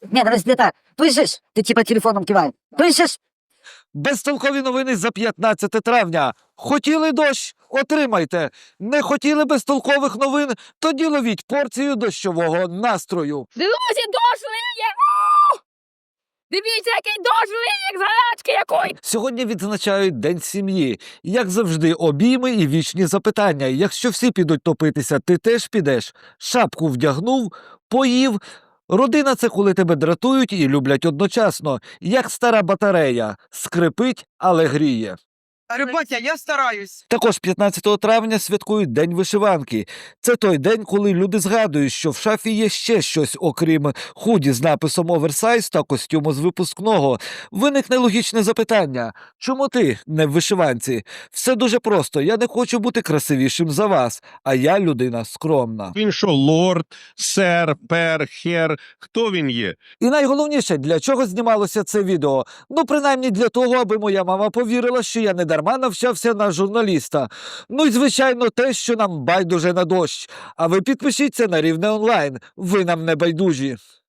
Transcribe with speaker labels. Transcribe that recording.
Speaker 1: Ні, дивись, не так. Пишеш, ти типа телефоном кивай. Пишеш.
Speaker 2: Безтолкові новини за 15 травня. Хотіли дощ? Отримайте. Не хотіли безтолкових новин? Тоді ловіть порцію дощового настрою.
Speaker 3: Друзі, дощ лиє! О! Дивіться, який дощ лиє, як з гарячки якої!
Speaker 2: Сьогодні відзначають День сім'ї. Як завжди, обійми і вічні запитання. Якщо всі підуть топитися, ти теж підеш? Шапку вдягнув, поїв. Родина – це коли тебе дратують і люблять одночасно. Як стара батарея. Скрипить, але гріє.
Speaker 4: Батя, я стараюсь.
Speaker 2: Також 15 травня святкують День вишиванки. Це той день, коли люди згадують, що в шафі є ще щось, окрім худі з написом «Оверсайз» та костюму з випускного. Виникне логічне запитання. Чому ти не в вишиванці? Все дуже просто. Я не хочу бути красивішим за вас, а я людина скромна.
Speaker 5: Він що, лорд, сер, пер, хер? Хто він є?
Speaker 2: І найголовніше, для чого знімалося це відео? Ну, принаймні для того, аби моя мама повірила, що я не дарма навчався на журналіста. Ну і, звичайно, те, що нам байдуже на дощ. А ви підпишіться на Рівне онлайн. Ви нам не байдужі.